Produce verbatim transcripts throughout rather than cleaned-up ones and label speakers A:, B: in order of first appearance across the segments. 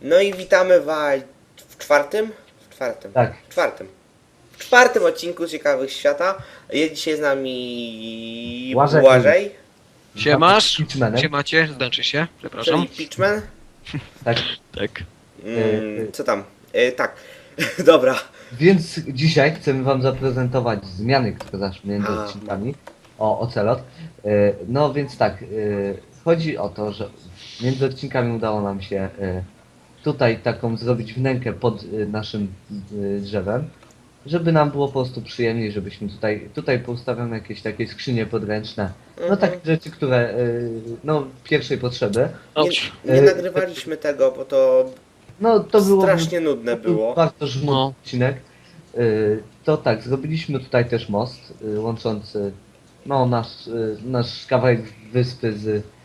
A: No i witamy was w czwartym? W czwartym.
B: Tak.
A: W czwartym. W czwartym odcinku Ciekawych Świata. Jest dzisiaj z nami
B: Błażej.
A: Błażej,
C: Siemasz?
B: Pitchmanem.
C: Siemacie, znaczy się, przepraszam.
A: czyli Pitchman.
B: Tak.
C: Tak.
A: Mm, co tam? E, tak. Dobra.
B: Więc dzisiaj chcemy wam zaprezentować zmiany, które zaszły między
A: A.
B: odcinkami o Ocelot. E, No więc tak, e, chodzi o to, że między odcinkami udało nam się e, tutaj taką zrobić wnękę pod e, naszym e, drzewem, żeby nam było po prostu przyjemniej, żebyśmy tutaj, tutaj poustawiamy jakieś takie skrzynie podręczne, no
A: Mhm.
B: takie rzeczy, które e, no pierwszej potrzeby.
A: Nie,
C: Ouch.
A: nie
B: E,
A: nagrywaliśmy tego, bo to
B: No to było
A: strasznie nudne
B: to był
A: było.
B: bardzo żmudny
C: No.
B: odcinek. Y, To tak, zrobiliśmy tutaj też most y, łączący no, nasz, y, nasz kawałek wyspy z y,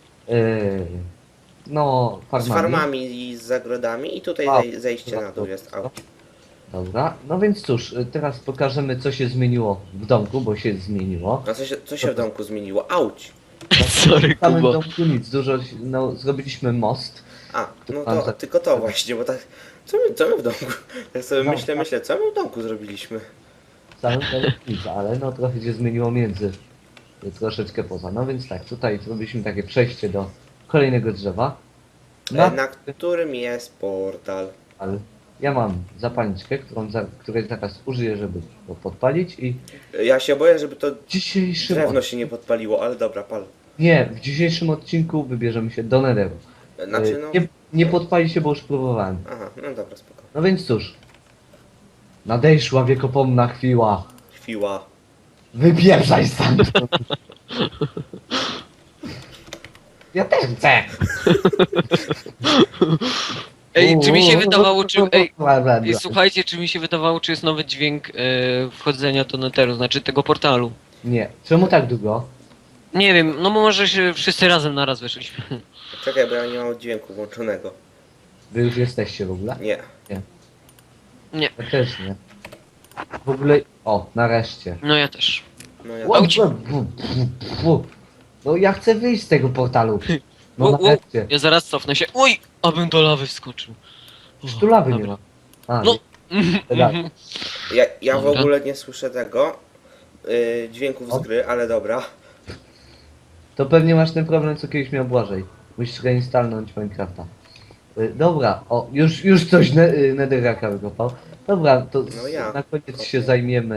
B: no,
A: Z
B: farmami.
A: farmami i z zagrodami i tutaj
B: A,
A: zej- zejście na dół jest. Auć.
B: Dobra, no więc cóż, y, teraz pokażemy co się zmieniło w domku, bo się zmieniło.
A: A co się, co się w domku zmieniło? Auć.
C: Sorry,
B: W samym
C: Kuba.
B: domku nic, dużo, no, zrobiliśmy most.
A: A, no
B: Pan
A: to
B: za-
A: tylko to właśnie, bo tak. Co my, co my w domku? Tak sobie
B: No,
A: myślę,
B: tak.
A: myślę, co my w domku zrobiliśmy?
B: W samym domku nic, ale no trochę się zmieniło między, y, troszeczkę poza. No więc tak, tutaj zrobiliśmy takie przejście do kolejnego drzewa.
A: E, Na którym jest portal.
B: Ale ja mam zapalniczkę, którą za, której zaraz użyję, żeby to podpalić i
A: Ja się boję, żeby to
B: w dzisiejszym
A: drewno
B: od...
A: się nie podpaliło, ale dobra, pal.
B: Nie, w dzisiejszym odcinku wybierzemy się do Netheru.
A: Znaczy
B: Y,
A: no.
B: Nie, nie podpali się, bo już próbowałem.
A: Aha, no dobra, spoko.
B: No więc cóż. Nadejszła wiekopomna chwila.
A: Chwila.
B: Wypieprzaj stamtąd. Ja też chcę.
C: Ej, czy mi się wydawało, czy... Ej,
B: Bla, bla,
C: ej
B: bla.
C: słuchajcie, czy mi się wydawało, czy jest nowy dźwięk e, wchodzenia do netheru, znaczy tego portalu.
B: Nie. Czemu tak długo?
C: Nie wiem, no może się wszyscy razem naraz weszliśmy.
A: Czekaj, bo ja nie mam dźwięku włączonego.
B: Wy już jesteście w ogóle?
A: Nie.
C: Nie,
B: Ja też nie. W ogóle... O, nareszcie.
C: no ja też.
A: No ja.
B: Ła-
C: Auć.
B: bu- bu- bu- bu. No ja chcę wyjść z tego portalu. No
C: Wow, wow.
B: nareszcie.
C: Ja zaraz cofnę się. Oj, abym do lawy wskoczył.
B: Już tu lawy nie
C: Dobra.
B: ma. A,
C: No.
B: nie. Tak.
A: Ja, ja w
C: Dobra.
A: ogóle nie słyszę tego. Yy, dźwięków
B: O.
A: z gry, ale dobra.
B: To pewnie masz ten problem, co kiedyś miał Błażej. Musisz reinstalnąć Minecrafta. Y, Dobra, o, już, już coś ne y, Netherracka wykopał. Dobra, to
A: No ja.
B: na koniec się zajmiemy...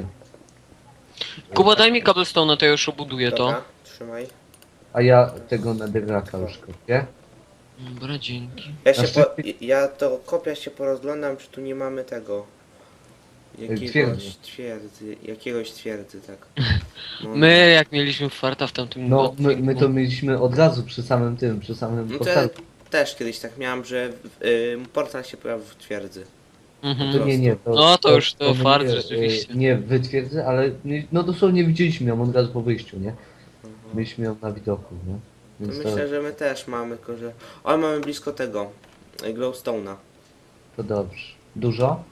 B: Y,
C: Kuba, daj mi cobblestone, to ja już obuduję to.
A: Dobra, trzymaj.
B: a ja tego Netherracka już kopię.
C: Dobra, dzięki.
A: Ja się
B: Znaczy-
A: po, ja to kopia się porozglądam, czy tu nie mamy tego. Jakiegoś
B: Twierdzy.
A: twierdzy. Jakiegoś twierdzy, tak. No,
C: My, jak mieliśmy farta w tamtym
B: No, my,
C: odcinku.
B: my to mieliśmy od razu przy samym tym, przy samym
A: No to ja
B: portalu.
A: też kiedyś tak miałem, że y, portal się pojawił w twierdzy.
C: Mhm.
B: To nie, nie, to,
C: No, to już to
B: my
C: fart
B: nie,
C: rzeczywiście.
B: y, Nie wytwierdzę, ale nie- no dosłownie widzieliśmy ją od razu po wyjściu, nie?
A: Mhm.
B: Mieliśmy ją na widoku, nie?
A: To
B: Więc to,
A: myślę, że my też mamy, tylko że... Ale mamy blisko tego. y, Glowstone'a.
B: to dobrze. Dużo?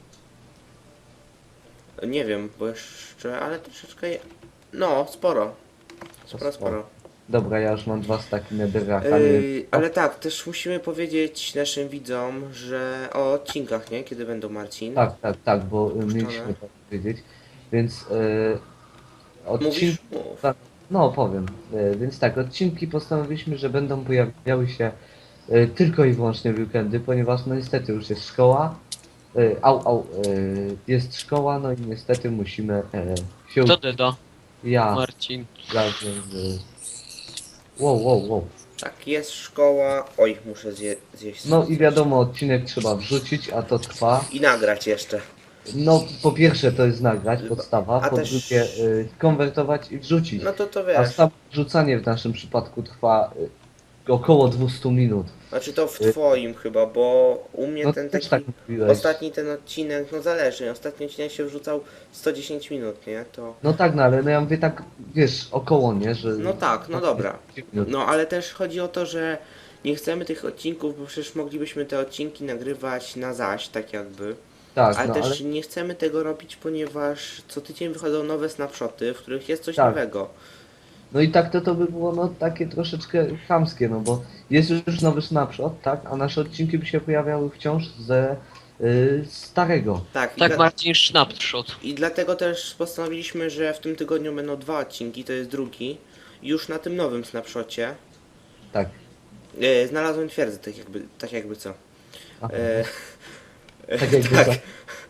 A: Nie wiem, bo jeszcze, ale troszeczkę... je- No, sporo. Sporo, sporo.
B: Dobra, ja już mam dwa staki netherracka, nie
A: Yy,
B: wiem.
A: ale tak, też musimy powiedzieć naszym widzom, że o odcinkach, nie? Kiedy będą, Marcin?
B: Tak, tak, tak, bo y,
A: Puszczone.
B: mieliśmy to powiedzieć. Więc y,
A: Mówisz?
B: odcinki...
A: Mów.
B: tak, no powiem. Y, więc tak, odcinki postanowiliśmy, że będą pojawiały się y, tylko i wyłącznie w weekendy, ponieważ no niestety już jest szkoła. Y, au, au, y, jest szkoła, no i niestety musimy y, się...
C: Kto deda?
B: Ja
C: Marcin.
B: razem z... Wow, wow, wow.
A: Tak, jest szkoła... Oj, muszę zje, zjeść...
B: No
A: coś.
B: i wiadomo, odcinek trzeba wrzucić, a to trwa.
A: I nagrać jeszcze.
B: No, po pierwsze to jest nagrać, podstawa,
A: A
B: po
A: też-
B: drugie y, konwertować i wrzucić.
A: No to to
B: A
A: wiesz.
B: samo wrzucanie w naszym przypadku trwa y, około dwieście minut.
A: Znaczy to w twoim chyba, bo u mnie
B: No
A: ten
B: też
A: taki...
B: tak mówiłeś.
A: Ostatni ten odcinek, no zależy. Ostatni odcinek się wrzucał sto dziesięć minut, nie? To...
B: No tak, no ale no ja mówię tak, wiesz, około, nie, że...
A: No tak, no dobra.
B: minut.
A: No ale też chodzi o to, że nie chcemy tych odcinków, bo przecież moglibyśmy te odcinki nagrywać na zaś, tak jakby.
B: Tak,
A: Ale
B: no
A: też
B: ale...
A: nie chcemy tego robić, ponieważ co tydzień wychodzą nowe snapshoty, w których jest coś
B: Tak.
A: nowego.
B: No i tak to to by było no takie troszeczkę chamskie, no bo jest już nowy snapshot, tak? A nasze odcinki by się pojawiały wciąż ze y, starego.
A: Tak, i,
C: Tak,
A: dla,
C: Marcin, snapshot.
A: i dlatego też postanowiliśmy, że w tym tygodniu będą dwa odcinki, to jest drugi. Już na tym nowym snapshocie
B: Tak.
A: e, znalazłem twierdzę, tak jakby, tak jakby co.
B: Aha.
A: E,
B: Tak jakby
A: tak.
B: co.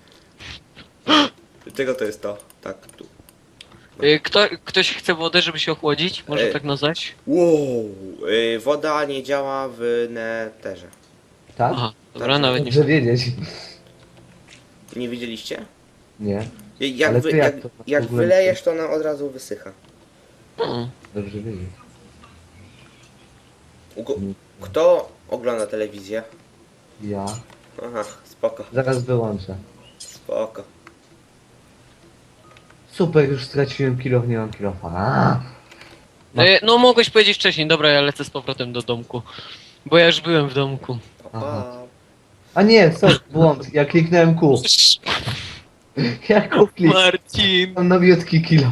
A: Czego to jest to? Tak, tu.
C: Y, Kto, ktoś chce wodę, żeby się ochłodzić? Może
A: Ej.
C: tak nazwać?
A: Wow, e, woda nie działa w neterze.
B: Tak?
C: Aha, dobra,
A: Tak,
C: nawet nie
B: Dobrze wiedzieć.
A: Nie widzieliście?
B: Nie,
A: Jak,
B: Ale
A: wy,
B: to jak
A: jak,
B: to w
A: jak
B: ogóle-
A: wylejesz, to ona od razu wysycha.
C: Hmm.
B: dobrze wiedzieć.
A: Ugo
B: Mm.
A: Kto ogląda telewizję?
B: Ja.
A: Aha, spoko,
B: Zaraz wyłączę.
A: spoko.
B: Super, już straciłem kilo, nie mam kilofa. A! No.
C: Y, No mogłeś powiedzieć wcześniej, dobra, ja lecę z powrotem do domku. Bo ja już byłem w domku.
A: Pa,
B: Aha.
A: pa.
B: A nie, sorry, błąd. Ja kliknąłem Q. Ja Q kliknąłem
C: Marcin!
B: nowiutki kilo.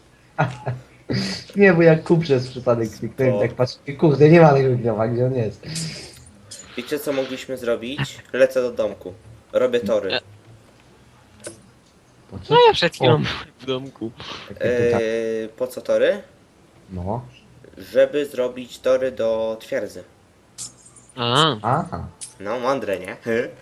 B: Nie, bo jak Q przez przypadek kliknąłem, tak patrzę, kurde, nie ma tego kilofa, gdzie on jest.
A: Wiecie co mogliśmy zrobić? Lecę do domku. Robię tory.
B: Po co?
C: No ja przed chwilą
B: O.
C: byłem w domku.
B: Takie pytanie.
A: Eee, po co tory?
B: No.
A: Żeby zrobić tory do twierdzy.
C: A.
B: Aha.
A: No, mądre, nie?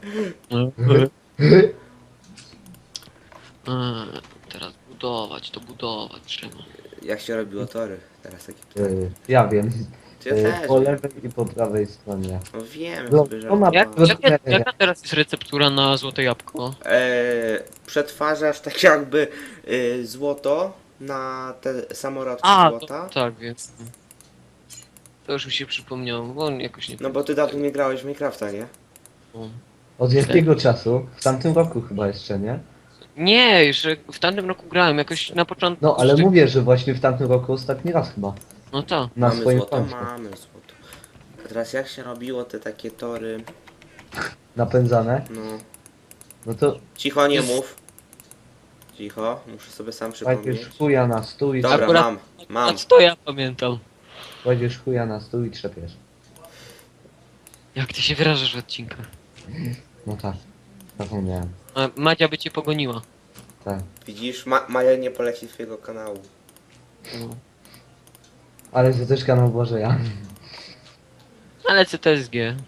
C: A, teraz budować, to budować trzeba.
A: Jak się robiło tory? Teraz takie...
B: Y, ja wiem.
A: Ty ja
B: Y,
A: też.
B: po lewej i po prawej stronie.
A: No wiem,
B: No,
A: sobie
B: to ma-
A: żartowałem.
C: Jak, jaka, jaka teraz jest receptura na złote jabłko?
A: Eee, przetwarzasz tak jakby y, złoto na te samorodki
C: A,
A: złota.
C: to, tak, więc... To już mi się przypomniało, bo on jakoś nie...
A: No bo ty dawno nie grałeś w Minecrafta, nie?
B: Od jakiego czasu? W tamtym roku chyba jeszcze, nie?
C: Nie, już w tamtym roku grałem, jakoś na początku...
B: No, ale
C: jeszcze-
B: mówię, że właśnie w tamtym roku ostatni raz chyba.
C: No tak.
B: Na
A: mamy
B: swoim
A: złoto,
B: koncie.
A: mamy złoto. A teraz jak się robiło te takie tory?
B: Napędzane.
A: No.
B: No to
A: Cicho, nie
C: Jest-
A: mów. Cicho, muszę sobie sam
B: kładziesz
A: przypomnieć.
B: chuja na stół i
A: Dobra,
C: Akurat-
A: mam,
C: A
A: mam.
C: co to ja pamiętam?
B: kładziesz chuja na stół i trzepiesz.
C: Jak ty się wyrażasz w odcinkach?
B: No tak. Zapomniałem.
C: A Madzia by cię pogoniła.
B: Tak.
A: Widzisz, Ma Maja nie poleci twojego kanału.
C: No.
B: Ale to też kanał Błażeja.
C: Ale C T S G.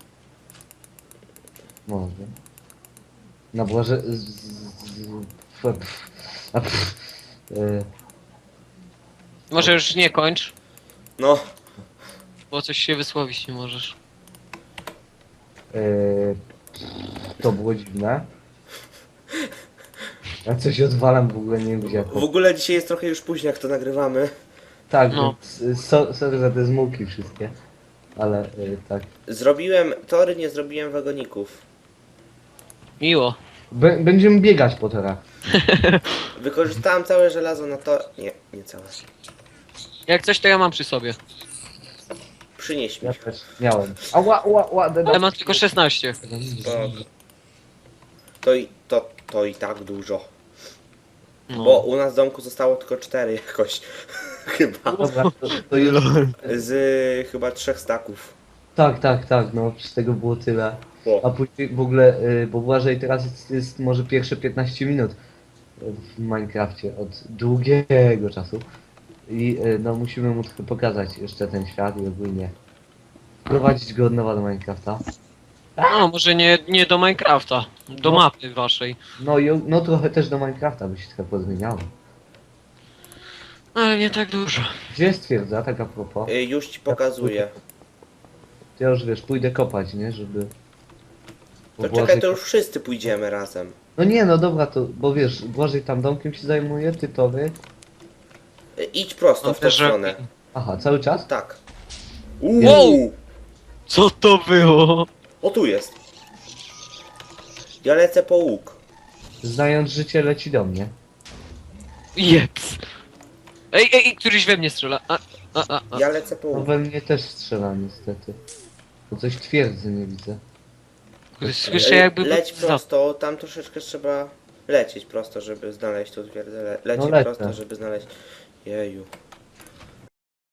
B: Może. Na Błaże... z- z- z- f- pff. A, pff. Y,
C: Może już nie kończ,
A: No,
C: bo coś się wysłowić nie możesz.
B: y, to było dziwne. Ja coś odwalam w ogóle, nie wiem gdzie.
A: w ogóle dzisiaj jest trochę już późno, jak to nagrywamy.
B: Tak,
C: No.
B: więc y, so, sorry za te zmułki wszystkie. Ale y, tak.
A: Zrobiłem tory, nie zrobiłem wagoników.
C: Miło.
B: Bę- będziemy biegać po torach.
A: Wykorzystałem całe żelazo na to... Nie, nie całe.
C: Jak coś to ja mam przy sobie.
A: Przynieś mi.
B: Ja też miałem. A ła, ła, ła, da,
C: Ale mam tylko szesnaście.
A: Spoko. To i, to, to i tak dużo.
C: No.
A: Bo u nas w domku zostało tylko cztery jakoś. Chyba.
B: Dobra, to, to już...
A: Z chyba trzech staków.
B: Tak, tak, tak, no z tego było tyle. A
A: O.
B: później w ogóle, y, bo Błażej teraz jest, jest może pierwsze piętnaście minut w Minecrafcie od długiego czasu. I y, no musimy mu trochę pokazać jeszcze ten świat i ogólnie prowadzić go od nowa do Minecrafta.
C: No, może nie, nie do Minecrafta. Do
B: No.
C: mapy waszej.
B: No i o- no trochę też do Minecrafta by się trochę pozmieniało.
C: Ale nie tak dużo.
B: Gdzie jest twierdza, tak a propos?
A: Y, Już ci pokazuję.
B: To ja już wiesz, pójdę kopać, nie, żeby... bo
A: To
B: Błażej-
A: czekaj, to już wszyscy pójdziemy razem.
B: No nie, no dobra, to, bo wiesz, Błażej tam domkiem się zajmuje, ty tory.
A: Y, Idź prosto
C: No
A: w tą
C: też
A: stronę.
B: Aha, cały czas?
A: Tak.
C: Wow!
A: Uuu!
C: Co to było?
A: O, tu jest. Ja lecę po łuk.
B: Znając życie leci do mnie.
C: Jeps. Ej, ej, ej, któryś we mnie strzela. A, a, a, a.
A: Ja lecę po
B: No
A: łuk.
B: we mnie też strzela niestety. Bo coś twierdzy nie widzę.
C: Słyszę
A: Y,
C: jakby...
A: Leć
C: za-
A: prosto, tam troszeczkę trzeba lecieć prosto, żeby znaleźć tu twierdzę. Le lecieć
B: No lecę.
A: prosto, żeby znaleźć... Jeju.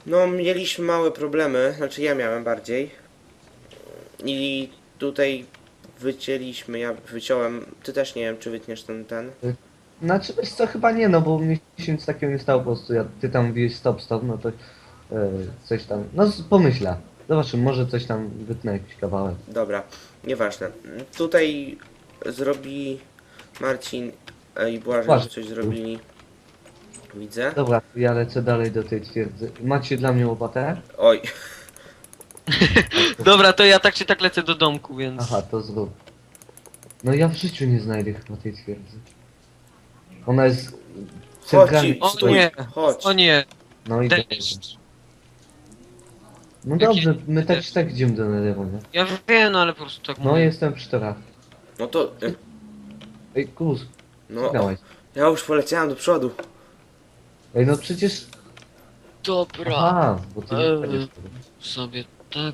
A: No, mieliśmy małe problemy, znaczy ja miałem bardziej. I tutaj wycięliśmy, ja wyciąłem, ty też nie wiem, czy wytniesz ten, ten.
B: Znaczy, wiesz co, chyba nie, no bo mi się nic takiego nie stało po prostu. Ja, ty tam mówiłeś stop, stop, no to e, coś tam, no z- pomyślę. Zobaczymy, może coś tam wytnę jakiś kawałek.
A: Dobra, nieważne. Tutaj zrobi Marcin e, i Błażej,
B: Błażej.
A: coś zrobili. Widzę.
B: Dobra, ja lecę dalej do tej twierdzy. Macie dla mnie łopatę?
A: Oj,
C: Dobra, to ja tak czy tak lecę do domku, więc...
B: Aha, to zrób. No ja w życiu nie znajdę chyba tej twierdzy. Ona jest
A: chodź,
B: centralnie.
C: O
A: stój,
C: nie,
A: chodź.
C: o nie,
B: No i dobrze.
C: deszcz.
B: No
C: Jaki-
B: dobrze, my tak czy tak idziemy do Nederu, nie?
C: Ja wiem, no ale po prostu tak
B: No
C: mówię.
B: jestem przy torach.
A: No to, e,
B: Ej, Kus,
A: no,
B: sygnałeś.
A: ja już poleciałem do przodu.
B: Ej, no przecież...
C: Dobra,
B: Aha, bo ty nie
C: Eee.
B: będziesz.
C: sobie tak...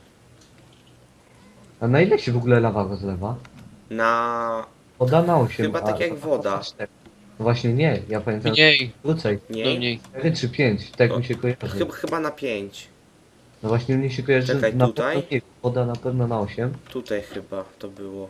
B: A na ile się w ogóle lawa rozlewa?
A: Na,
B: Woda na osiem.
A: Chyba tak
B: a
A: jak
B: lawa
A: woda.
B: na cztery. No właśnie nie, ja pamiętam
C: Mniej,
B: krócej.
C: do
A: nie,
C: mniej.
B: cztery czy pięć, tak
A: To-
B: mi się kojarzy.
A: chyba, chyba na pięć.
B: No właśnie mnie się kojarzy,
A: Czekaj,
B: że na
A: tutaj?
B: pewno nie, woda na pewno na osiem.
A: Tutaj chyba to było.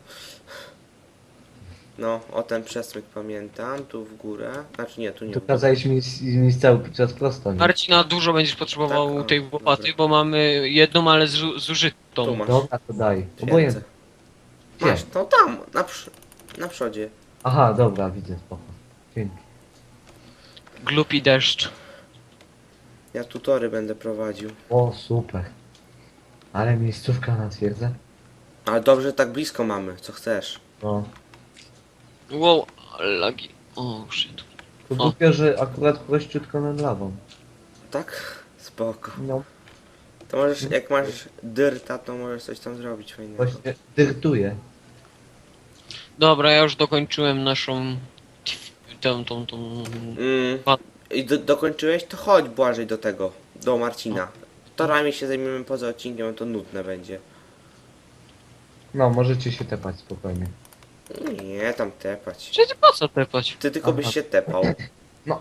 A: No, o ten przesmyk pamiętam, tu w górę. Znaczy nie, tu nie.
B: To
A: w górę.
B: kazałeś mi, mi cały czas prosto, nie?
C: Marcina, dużo będziesz potrzebował
A: Tak, o,
C: tej łopaty,
A: dobra.
C: bo mamy jedną, ale zu-
A: Tu
C: zużytą.
A: masz.
B: Dobra, to daj.
A: Twierdzę.
B: Obojętnie. Gdzie?
A: Masz, no tam, na, przy, na przodzie.
B: Aha, dobra, widzę, spoko. Dzięki.
C: Glupi deszcz.
A: Ja tutory będę prowadził.
B: O, super. Ale miejscówka na twierdzę.
A: Ale dobrze, że tak blisko mamy, co chcesz.
B: No.
C: Wow, lagi. O, shit.
B: To
C: O.
B: głupio, że akurat prościutko nad lawą.
A: Tak? Spoko.
B: No,
A: To możesz, jak masz dyrta, to możesz coś tam zrobić fajnego.
B: właśnie dyrtuję.
C: Dobra, ja już dokończyłem naszą... tą, tą, tą...
A: Mm.
C: Pat-
A: I do, dokończyłeś? To chodź Błażej do tego, do Marcina. Torami się zajmiemy poza odcinkiem, to nudne będzie.
B: No, możecie się tepać spokojnie.
A: Nie, tam tepać.
C: Czy ty po co tepać?
A: Ty tylko byś
B: Aha.
A: się tepał.
B: No.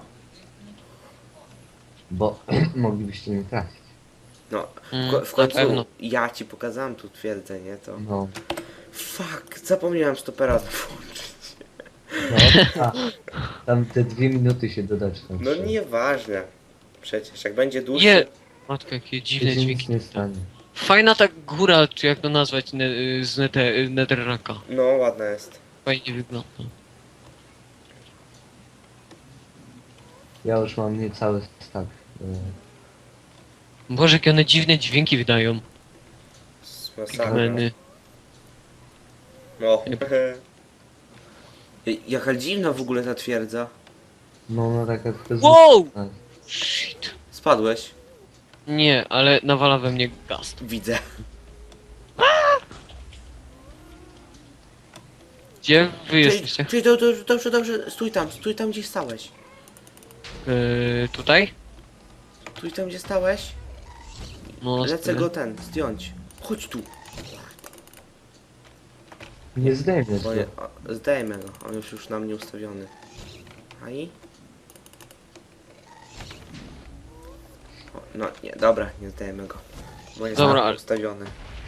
B: Bo moglibyście nie trafić.
A: No,
C: Mm,
A: w, ko- w
C: na
A: końcu
C: pewno.
A: ja ci pokazałem tu twierdzę, nie? To...
B: No.
A: Fuck, zapomniałem stopera włączyć.
B: No, a, tam te dwie minuty się dodać. Tam
A: No
B: trzeba.
A: nieważne. Przecież, jak będzie dłuższy...
C: Je! Matko, jakie
B: To
C: dziwne
B: się nic
C: dźwięki.
B: nie stanie.
C: Fajna ta góra, czy jak to nazwać, ne, z nete, Netherracka.
A: No, ładna jest.
C: Fajnie wygląda.
B: Ja już mam niecały stack. y,
C: Boże, jakie one dziwne dźwięki wydają.
A: Z masakra.
C: Pigmeny.
A: No. Jaka dziwna w ogóle ta twierdza.
B: No, no taka to jest...
C: Wow! Shit.
A: Spadłeś?
C: Nie, ale nawala we mnie gaz.
A: Widzę.
C: Gdzie wy
A: Czyli,
C: jesteście?
A: czyli to, to, dobrze, dobrze, stój tam, stój tam gdzie stałeś.
C: Yy, tutaj?
A: Stój tam gdzie stałeś.
C: No,
A: Lecę
C: stoję.
A: go ten, zdjąć. Chodź tu.
B: Nie zdejmiesz
A: Bo
B: go.
A: je, o, zdejmę go, on już już na mnie ustawiony. A i? O, no nie, dobra, nie zdejmę go. Bo jest
C: Dobra,
A: na mnie
C: ale-
A: ustawiony.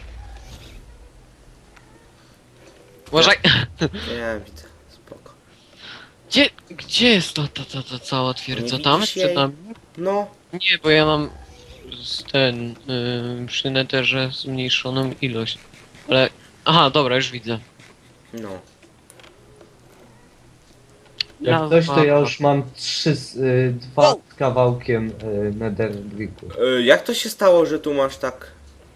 C: Uważaj!
A: Nie, widzę, spoko.
C: Gdzie, gdzie jest ta, ta, ta, ta cała twierdza?
A: Nie
C: Tam?
A: widzisz
C: Przed
A: jej?
C: nami?
A: No,
C: Nie, bo ja mam z ten, yy, przy netherze zmniejszoną ilość. Ale, aha, dobra, już widzę.
A: no.
B: Jak
C: Lawa.
B: coś, to ja już mam trzy, z- y, dwa
C: Wow.
B: z kawałkiem y, nether bricku.
A: Y, jak to się stało, że tu masz tak...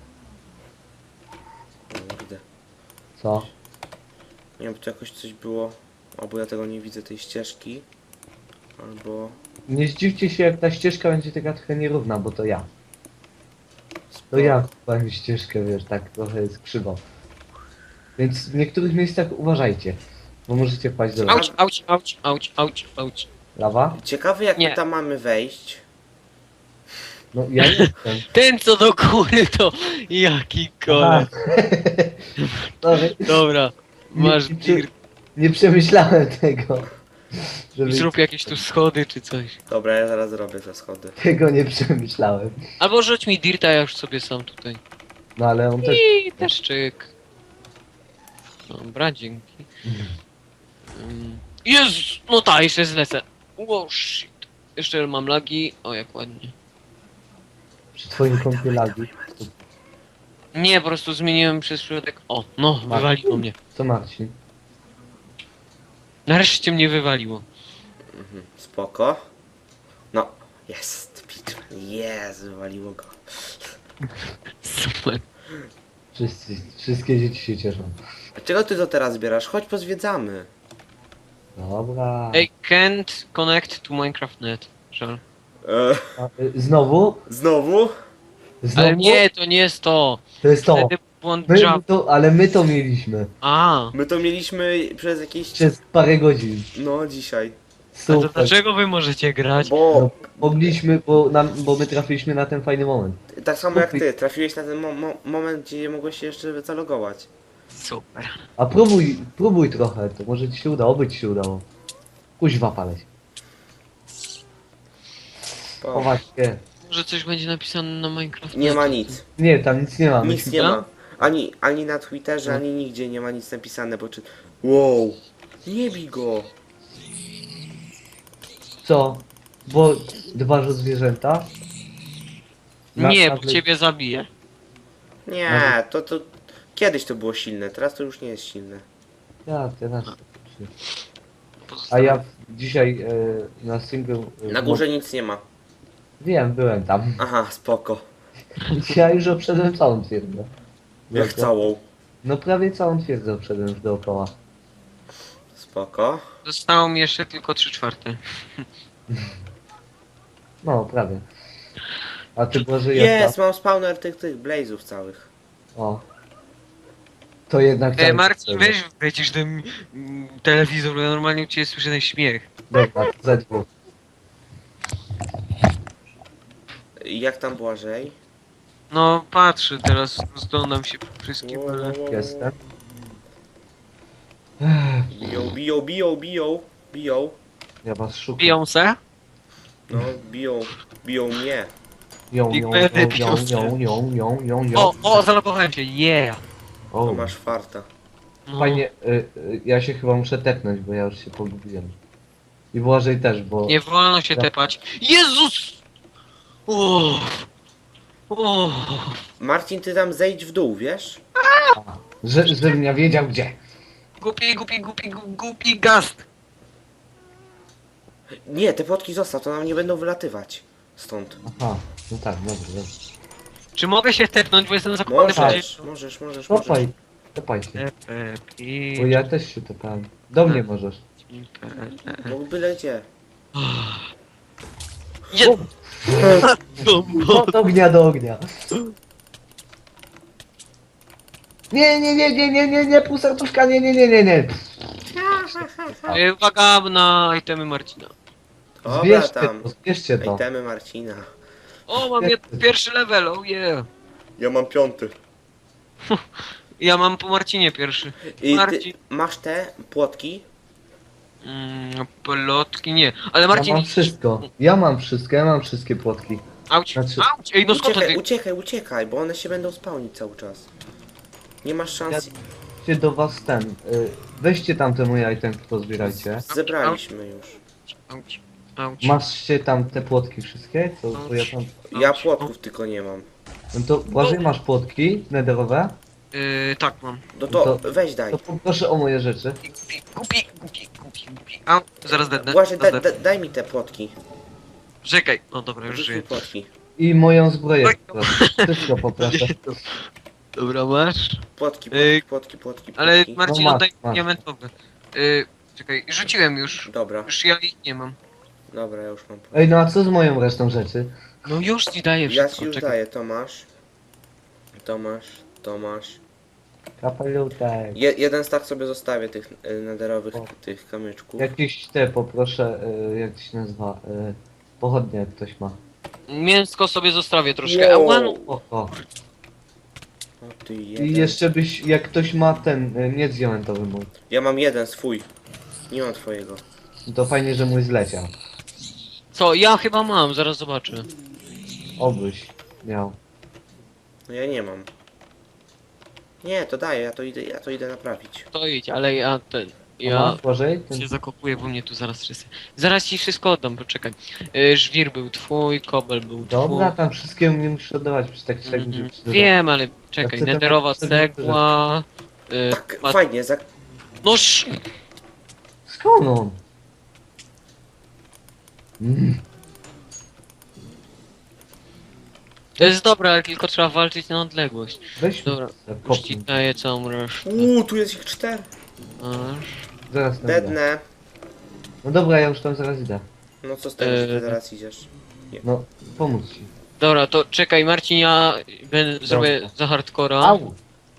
A: Kurde.
B: Co?
A: Nie wiem, tu jakoś coś było. Albo ja tego nie widzę, tej ścieżki. Albo...
B: Nie zdziwcie się, jak ta ścieżka będzie taka trochę nierówna, bo to ja. To
A: Spoko.
B: ja powiem ścieżkę, wiesz, tak trochę jest krzywo. Więc w niektórych miejscach uważajcie, bo możecie wpaść do lawy.
C: Auć, auć, auć, auć, auć, auć.
B: Lawa?
A: Ciekawe jak
C: Nie.
A: my tam mamy wejść.
B: No ja jestem.
C: Ten co do góry to jaki kole.
B: Sorry,
C: Dobra, masz
B: nie,
C: dir.
B: nie przemyślałem tego. Żeby
C: Zrób jakieś tu schody czy coś.
A: Dobra, ja zaraz zrobię te schody.
B: tego nie przemyślałem.
C: Albo rzuć mi dirta, ja już sobie sam tutaj.
B: No ale on też...
C: I deszczyk. Dobra, dzięki. Um, Jezus! No tak, jeszcze zlecę. Wow, shit. Jeszcze mam lagi. O, jak ładnie.
B: Przy twoim kąpie lagi.
C: Nie, po prostu zmieniłem przez przypadek. O, no, wywaliło mnie.
B: Co Marcin?
C: Nareszcie mnie wywaliło.
A: Mhm, spoko. No, jest, Pitman, jest, wywaliło go.
C: Super.
B: Wszyscy, wszystkie dzieci się cieszą.
A: A czego ty to teraz zbierasz? Chodź pozwiedzamy.
B: Dobra.
C: I can't connect to Minecraft net. Żal.
A: E,
B: A, y, znowu?
A: znowu?
B: Znowu?
C: Ale nie, to nie jest to.
B: To jest to.
C: Wtedy błąd
B: My
C: Java.
B: to, ale my to mieliśmy.
C: A,
A: My to mieliśmy przez jakieś...
B: Przez parę godzin.
A: No, dzisiaj.
C: a to
B: Super.
C: dlaczego wy możecie grać?
A: Bo
B: No, mogliśmy, bo, nam, bo my trafiliśmy na ten fajny moment.
A: tak samo jak ty, trafiłeś na ten mo mo moment, gdzie mogłeś się jeszcze zalogować.
C: Super.
B: A próbuj, próbuj trochę, to może ci się uda, oby ci się udało. Kuźwa paleć.
A: O,
B: Chować się.
C: Może coś będzie napisane na Minecraft.
A: nie ma nic.
B: Nie, tam nic nie ma.
A: Nic
B: Myśmy-
A: nie ma. Ani, ani na Twitterze, ani nigdzie nie ma nic napisane, bo czy... Wow! Nie bij go!
B: Co? Bo dbasz o zwierzęta? Na-
C: Nie, bo
B: nagle-
C: ciebie zabiję.
A: Nie, to to... Kiedyś to było silne, teraz to już nie jest silne.
B: Ja, teraz. A ja w- dzisiaj e, na singlu... E,
A: Na górze nic nie ma.
B: Wiem, byłem tam.
A: Aha, spoko.
B: Ja już obszedłem całą twierdzę.
A: Jak całą.
B: No prawie całą twierdzę obszedłem już dookoła.
A: Spoko.
C: Zostało mi jeszcze tylko trzy czwarte.
B: No, prawie. A ty Boże jak
A: Jest, mam spawner tych, tych blazów całych.
B: O. To jednak...
C: E,
B: tak
C: Marcin,
B: wtedy.
C: weź wlecisz ten mm, telewizor, bo ja normalnie u ciebie słyszę ten śmiech.
B: Dobra, za dwóch.
A: Jak tam Błażej?
C: No patrzę teraz, rozglądam się po wszystkim, ale...
B: Jestem.
A: Biją, biją, biją, biją, biją.
B: Ja was szukam.
C: Biją se?
A: No, biją, biją mnie.
B: Ją,
C: Big
B: ją,
C: Birdy
B: ją,
C: biją
B: ją,
C: się.
B: ją, ją, ją, ją, ją.
C: O, o, zalogowałem się, yeah!
A: To
B: O,
A: masz farta.
C: No.
B: fajnie, y, y, ja się chyba muszę tepnąć, bo ja już się pogubiłem. I Błażej też, bo...
C: Nie wolno się
B: Ja-
C: tepać. Jezus! O, o,
A: Marcin, ty tam zejdź w dół, wiesz?
B: Że, żebym ja wiedział gdzie.
C: głupi, głupi, głupi, gu- głupi gast!
A: Nie, te płotki zostaw, to nam nie będą wylatywać. Stąd.
B: Aha, no tak, dobrze, dobrze.
C: Czy mogę się tepnąć, bo jestem zakopany
A: Możesz, możesz, możesz, możesz.
B: Topaj, topaj się.
C: bardziej.
B: Bo ja też się tepałem. Do mnie możesz.
A: No byle gdzie.
C: Je-
B: Od ognia do ognia. Nie, nie, nie, nie, nie, nie, nie, pół serduszka, nie, nie, nie, nie, nie.
C: E, Uwaga na itemy Marcina.
A: Dobra
B: Zbierzcie
A: tam.
B: to, zbierzcie to.
A: Itemy Marcina.
C: O, mam jed- pierwszy level, oh yeah.
A: Ja mam piąty.
C: Ja mam po Marcinie pierwszy.
A: I ty
C: Marcin.
A: masz te płotki?
C: Mm, plotki nie. Ale
B: Ja
C: Marcin.
B: mam wszystko. Ja mam wszystko, ja mam wszystkie płotki.
C: Auć,
B: Znaczy-
C: auć, ej no skąd to
A: Uciekaj,
C: ty?
A: uciekaj, uciekaj, bo one się będą spałnić cały czas. Nie masz szans.
B: Się do was ten. Y, weźcie tam te moje itemki, pozbierajcie.
A: Zebraliśmy już.
C: Auć, auć.
B: Masz tam te płotki wszystkie? Co, co ja tam...
A: Ja płotków tylko nie mam.
B: No to Błażej, masz płotki nederowe?
C: Yy, tak mam.
A: No to
B: To-
A: weź daj.
B: To poproszę o moje rzeczy.
C: Gupi, gupi, gupi, gupi, gupi. Au, zaraz dednę.
A: Właśnie, da,
C: zaraz
A: da,
C: dednę.
A: daj mi te płotki.
C: Czekaj. No dobra, już
A: Rzuć mi
C: żyję.
A: płotki.
B: I moją zbroję
C: Oj.
B: poproszę. Wszystko poproszę.
C: Dobra, masz.
A: Płotki,
C: Ej,
A: płotki, płotki, płotki.
C: Ale
A: płotki.
C: Marcin,
B: No masz,
C: oddaj
B: masz.
C: diamentowe. Yy, czekaj, rzuciłem już.
A: Dobra,
C: Już ja ich nie mam.
A: dobra, ja już mam.
B: Ej, no a co z moją resztą rzeczy?
C: No już ci daję
A: Ja
C: wszystko.
A: ci już
C: czekaj.
A: daję, to masz. To masz, to masz.
B: Kapelutek.
A: Je, jeden stack sobie zostawię tych y, nederowych,
B: O.
A: tych kamyczków.
B: Jakieś te poproszę, y, jak to się nazywa? Y, pochodnie jak ktoś ma.
C: Mięsko sobie zostawię troszkę.
A: Wow.
C: Ała, no.
B: O, o.
A: O ty
B: I
A: jeden.
B: jeszcze byś, jak ktoś ma ten, y, miecz diamentowy mój.
A: Ja mam jeden swój. Nie mam twojego.
B: To fajnie, że mój zleciał.
C: Co? Ja chyba mam, zaraz zobaczę.
B: Obyś miał.
A: No ja nie mam. Nie, to daję, ja to idę, ja to idę naprawić.
C: To idź, ale ja ten...
B: A
C: Ja
B: masz Bożej? Ten...
C: się zakopuję, bo mnie tu zaraz wszyscy... Zaraz ci wszystko oddam, poczekaj. Y, żwir był twój, kobel był
B: Dobra,
C: twój.
B: tam wszystkiemu nie musisz oddawać, przecież tak czy tak
C: Mhm.
B: będzie przyda.
C: Wiem, ale czekaj,
B: chcę
C: nederowa
B: temat-
C: cegła... Y,
A: Tak,
C: ma...
A: fajnie, za...
C: No sz...
B: Skąd on? Mm.
C: To jest dobre, ale tylko trzeba walczyć na odległość.
B: Weź
C: Dobra,
B: mi
C: już ci
B: kopnij.
C: daję całą resztę.
A: Uuu, tu jest ich cztery.
C: Masz.
B: Zaraz nagle.
A: Dednę.
B: No dobra, ja już tam zaraz idę.
A: No co z tego, że ty
C: Eee.
A: zaraz idziesz?
B: No, pomóc ci.
C: Dobra, to czekaj Marcin, ja będę, zrobię za hardcora.
B: Au!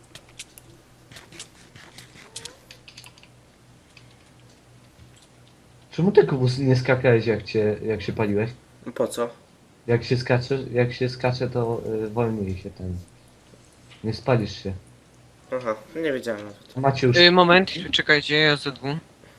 B: Czemu ty Kubus nie skakałeś jak cię, jak się paliłeś?
A: No po co?
B: Jak się skacze, jak się skacze to y, wolniej się ten. Nie spalisz się.
A: Aha, nie wiedziałem nawet.
B: Macie już,
C: Y, moment, czekajcie, ja ze dwu.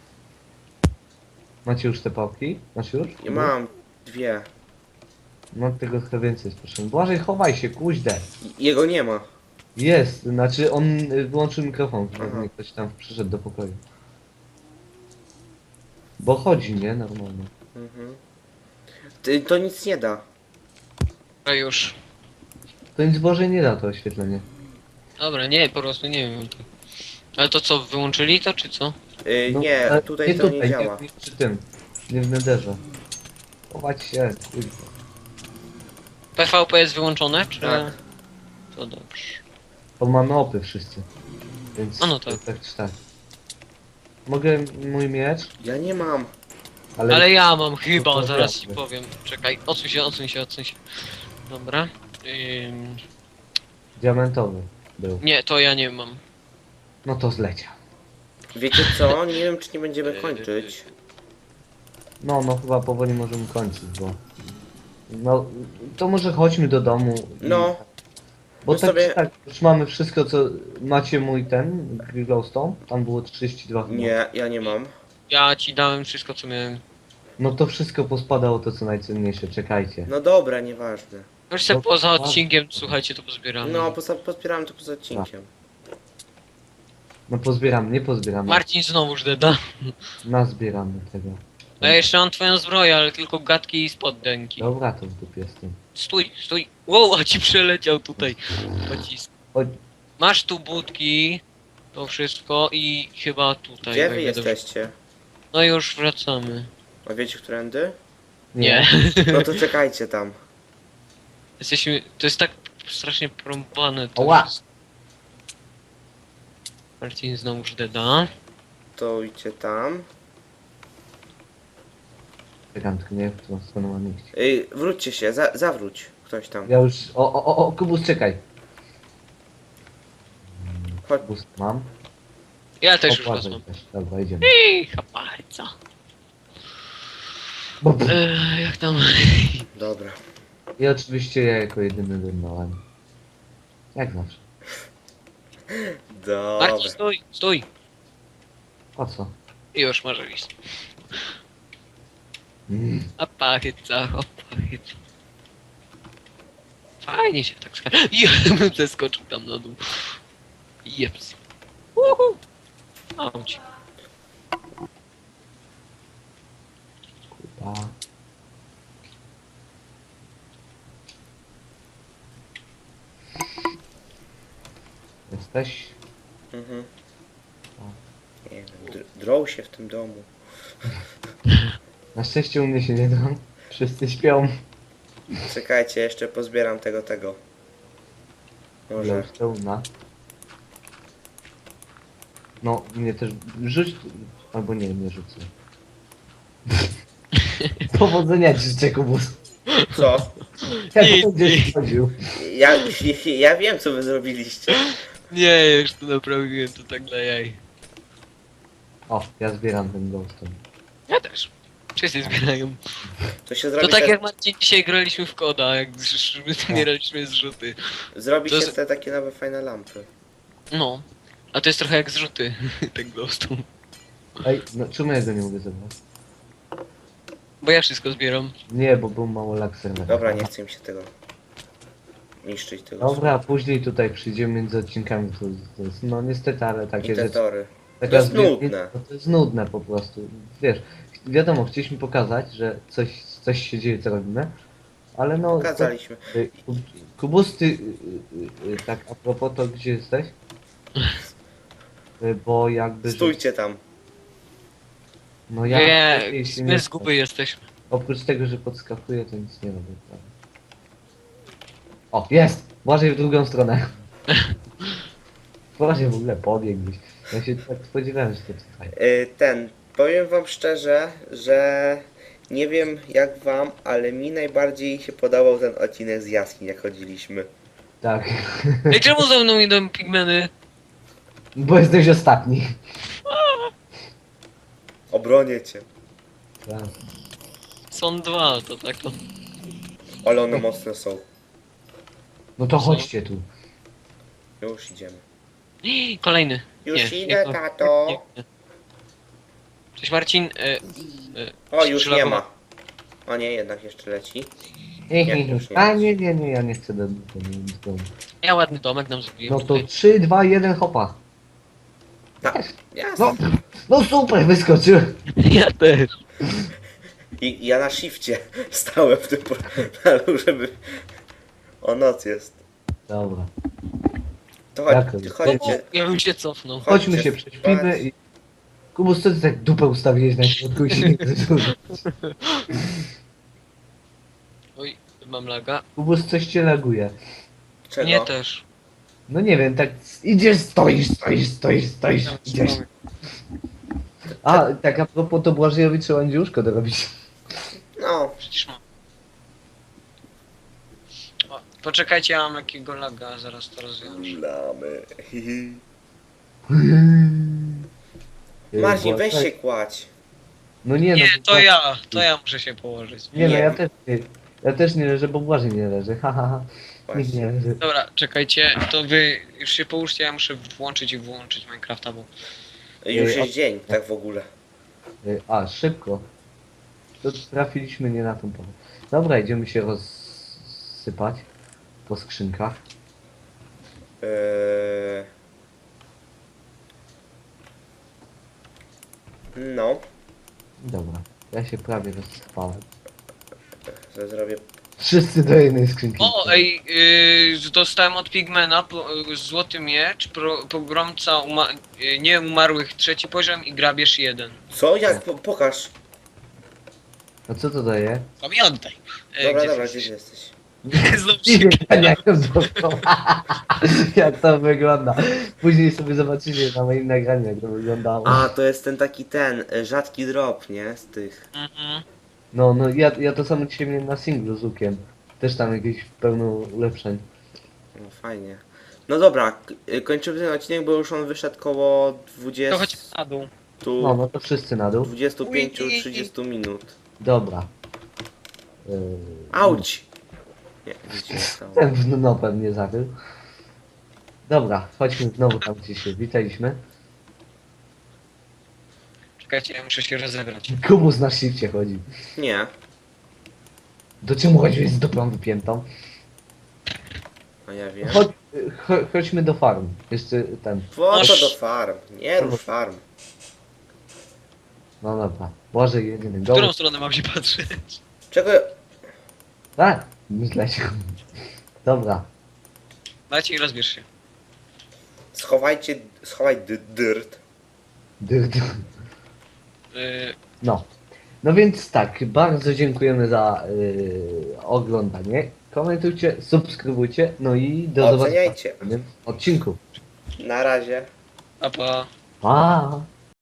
B: macie już te pałki? Masz już?
A: I mam dwie.
B: Mam tego trochę więcej, proszę. Błażej, chowaj się, kuźdę.
A: I- Jego nie ma.
B: Jest, znaczy on y, wyłączył mikrofon,
A: Aha.
B: żeby ktoś tam przyszedł do pokoju. Bo chodzi, nie? Normalnie.
A: Mhm. Ty, to nic nie da.
C: A już.
B: To nic Boże nie da to oświetlenie.
C: Dobra, nie, po prostu nie wiem. Ale to co, wyłączyli to, czy co?
A: Yy,
B: No,
A: nie,
B: ale
A: tutaj to nie działa.
B: Nie, nie przy tym. Nie w nederze. Chować się, kuźwa.
C: P V P jest wyłączone, czy...
A: Tak.
C: To dobrze.
B: Bo mamy opy wszyscy. Więc
C: A no tak.
B: tak czy tak. Mogę mój miecz,
A: Ja nie mam.
B: ale,
C: Ale ja mam chyba,
B: No to
C: zaraz ci
B: jasne.
C: powiem. Czekaj, odsuń się, odsuń się, odsuń się. Dobra. Ym...
B: diamentowy był.
C: Nie, to ja nie mam.
B: No to zleciał.
A: Wiecie co? Nie wiem, czy nie będziemy kończyć.
B: No, no chyba powoli możemy kończyć, bo... No, to może chodźmy do domu. i-
A: No.
B: Bo
A: my
B: tak
A: sobie-
B: czy tak, już mamy wszystko, co... Macie mój ten, glowstone? Tam było trzydzieści dwa chyba.
A: Nie, ja nie mam.
C: Ja ci dałem wszystko, co miałem.
B: No to wszystko pospadało, to co najcenniejsze, czekajcie.
A: No dobra, nieważne.
C: Już se
B: No,
C: poza
B: a-
C: odcinkiem, słuchajcie, to pozbieramy.
A: No, poza, pozbierałem to poza odcinkiem.
B: No pozbieram, nie pozbieramy.
C: Marcin znowuż deda.
B: Nazbieramy tego.
C: A ja jeszcze mam twoją zbroję, ale tylko gadki i spoddenki.
B: Dobra, to w dupie jestem.
C: Stój, stój. Wow, a ci przeleciał tutaj. Pocisk.
B: Chodź.
C: Masz tu budki, to wszystko i chyba tutaj.
A: Gdzie
C: jak
A: wy
C: dobrze-
A: jesteście?
C: No już wracamy.
A: A wiecie, którędy?
C: Nie.
A: No to czekajcie tam.
C: Jesteśmy. To jest tak strasznie prąbane. To
B: Oła.
C: wszystko. Marcin znowuż deda.
A: To idźcie tam.
B: Czekam, tylko nie wiem, w którą stronę mam iść.
A: Ej, wróćcie się, za, zawróć. Ktoś tam.
B: Ja już... O, o, o, o, Kubus, czekaj.
A: Chodź.
B: Kubus mam.
C: Ja też już
B: Opłacaj
C: wezmę.
B: też. Dobra, idziemy.
C: Ej, chaparca.
B: Bo, bo.
C: Eee, jak tam?
A: Dobra.
B: I oczywiście ja jako jedyny dymnąłem. Jak zawsze.
A: Dobra.
C: Marcin, stój, stój.
B: Po co?
C: I już może iść.
B: Mm.
C: Chaparca, chaparca. Fajnie się tak skacze. Jebym zeskoczył tam na dół. Jeps. Uhu. Auć.
B: Kurwa. Jesteś?
A: Mhm.
B: O.
A: Nie wiem, dr- drą się w tym domu.
B: Na szczęście u mnie się nie drą. Wszyscy śpią.
A: Czekajcie, jeszcze pozbieram tego, tego. Może.
B: Glowstone'a. No, mnie też rzuć... Albo nie, nie rzucę. Powodzenia ci życzę, Kubus.
A: Co?
B: Jak
C: Nic,
B: będziesz
C: nic.
B: chodził.
A: Ja, ja wiem, co wy zrobiliście.
C: Nie, już to naprawiłem, to tak dla jaj.
B: O, ja zbieram ten glowstone.
C: Ja też. Wszyscy zbierają.
A: To się
C: To
A: zrobi
C: tak
A: se,
C: jak Marcin dzisiaj graliśmy w koda, jak zbieraliśmy zrzuty.
A: zrobi
C: to
A: się
C: jest-
A: te takie nowe fajne lampy.
C: No. A to jest trochę jak zrzuty, ten glowstone.
B: Ej, no czemu ja go nie mogę zebrać?
C: Bo ja wszystko zbieram.
B: Nie, bo był mało lag serwera.
A: Dobra, nie chcę mi się tego niszczyć tego.
B: Dobra, później tutaj przyjdziemy między odcinkami, to, to jest, no niestety, ale
A: I
B: takie
A: te
B: rzeczy.
A: tory.
B: Taka
A: To jest
B: zbier-
A: nudne.
B: no to jest nudne po prostu. Wiesz, wiadomo, chcieliśmy pokazać, że coś, coś się dzieje, co robimy, ale no...
A: Pokazaliśmy.
B: To, y, Kub- Kubus, ty, y, y, y, tak a propos, to gdzie jesteś? Y, Bo jakby... że-
A: Stójcie tam.
B: No ja...
C: Nie,
B: lepiej się
C: my
B: nie-
C: z guby jesteśmy.
B: Oprócz tego, że podskakuję, to nic nie robię. Prawda? O, jest! Błażej w drugą stronę. Błażej w ogóle pobiegł gdzieś. Ja się tak spodziewałem, że to tutaj.
A: Y, Ten, powiem wam szczerze, że nie wiem jak wam, ale mi najbardziej się podobał ten odcinek z jaskiń, jak chodziliśmy.
B: Tak.
C: Ej, czemu ze mną idą pigmeny?
B: Bo jesteś ostatni.
A: Obronię cię.
B: Tak.
C: Są dwa, to tak to.
A: Ale one mocne są.
B: No to chodźcie tu.
A: Już idziemy.
C: Kolejny.
A: Już
C: Nie,
A: idę,
C: nie,
A: tato.
C: nie, nie. Cześć Marcin. E,
A: O, już nie
C: Przylagowa-
A: ma. O nie, jednak jeszcze leci.
B: Nie,
A: Nie,
B: nie, nie.
A: już nie.
B: A nie, nie, nie, ja nie chcę do, do, do, do.
C: ja ładny domek nam zrobiłem.
B: No to
C: tutaj.
B: trzy, dwa, jeden, hopa.
A: Tak, jasne.
B: No, no super, wyskoczyłem.
C: Ja też.
A: I ja na shifcie stałem w tym portalu, żeby... O, noc jest.
B: Dobra.
A: To chodź,
B: Jak?
A: ty
C: O,
A: chodźcie.
C: ja bym się cofnął.
B: Chodźmy
A: Chodźcie
B: się prześpimy
A: spać.
B: i... Kubus, co ty tak dupę ustawiłeś na środku i się nie zrzucił?
C: Oj, mam laga.
B: Kubus, coś cię laguje.
A: Czego?
C: Nie też.
B: No nie wiem, tak idziesz, stoisz, stoisz, stoisz, stoisz,
C: Tam
B: idziesz.
C: mamy.
B: A, tak a propos, to Błażejowi trzeba będzie łóżko dorobić.
A: No,
C: Przecież mam. O, poczekajcie, ja mam jakiego laga, zaraz to rozwiążę.
A: lamy.
B: Yy,
A: Marcin, weź
B: Błażej-
A: się kładź.
B: No nie,
C: Nie,
B: no,
C: to ja, to ja muszę się położyć.
B: Nie, no
A: Nie.
B: ja też nie, ja też nie leżę, bo Błażej nie leży, ha, ha, ha. Nikt nie
A: Właśnie.
B: leży.
C: Dobra, czekajcie, to wy już się połóżcie, ja muszę włączyć i wyłączyć Minecrafta, bo...
A: Już
B: Ej,
A: jest dzień, tak w ogóle.
B: Yy, A, szybko. To trafiliśmy nie na tą porę. Dobra, idziemy się rozsypać po skrzynkach.
A: Eee... No,
B: Dobra, ja się prawie rozsypałem.
A: to zrobię.
B: Wszyscy do jednej skrzynki.
C: O, ej, yy, dostałem od Pigmana po, yy, złoty miecz, pro, pogromca uma, yy, nieumarłych trzeci poziom i grabież jeden.
A: Co? Jak? Po, pokaż.
B: A co to daje?
C: Pamiętaj! E,
A: Dobra,
C: gdzie
A: dobra,
C: jesteś?
A: gdzie jesteś?
C: Znowu
B: Nie
C: się...
B: wiem, jak to było. Jak to wygląda. Później sobie zobaczycie na moim nagraniu, jak to wyglądało.
A: A, to jest ten taki ten, e, rzadki drop, nie? Z tych.
C: Mhm.
B: No, no, ja, ja to samo dzisiaj miałem na singlu z Łukiem. Też tam jakieś pełno ulepszeń.
A: No fajnie. No dobra, k- e, kończymy ten odcinek, bo już on wyszedł koło
C: To chodź
A: dwudziestu,
C: na dół.
B: No, no to wszyscy na dół.
A: dwudziestu pięciu trzydziestu minut.
B: Dobra. Yy,
A: Auć! Nie, nic się nie stało.
B: Ten w no pewnie zarył. Dobra, chodźmy znowu tam, gdzie się witaliśmy.
C: Czekajcie, ja muszę się rozebrać.
B: Kubus na shifcie chodzi.
A: Nie.
B: Do czemu chodziłeś z dupą wypiętą?
A: A ja wiem.
B: Chodź, cho, chodźmy do farm. Jeszcze ten.
A: Po co
C: Aż-
A: do farm? Nie rób farm.
B: No dobra. Boże, jedyny
C: W
B: go.
C: którą stronę mam się patrzeć?
A: Czego?
B: Tak, myślę się. Dobra.
C: Maciej, rozbierz się.
A: Schowajcie, schowaj dy- dyrt.
B: Dy, dy.
C: Yy,
B: No. No więc tak, bardzo dziękujemy za yy, oglądanie. Komentujcie, subskrybujcie, no i do zobaczenia
A: Oceniajcie.
B: w następnym odcinku.
A: Na razie.
C: a pa.
B: Pa!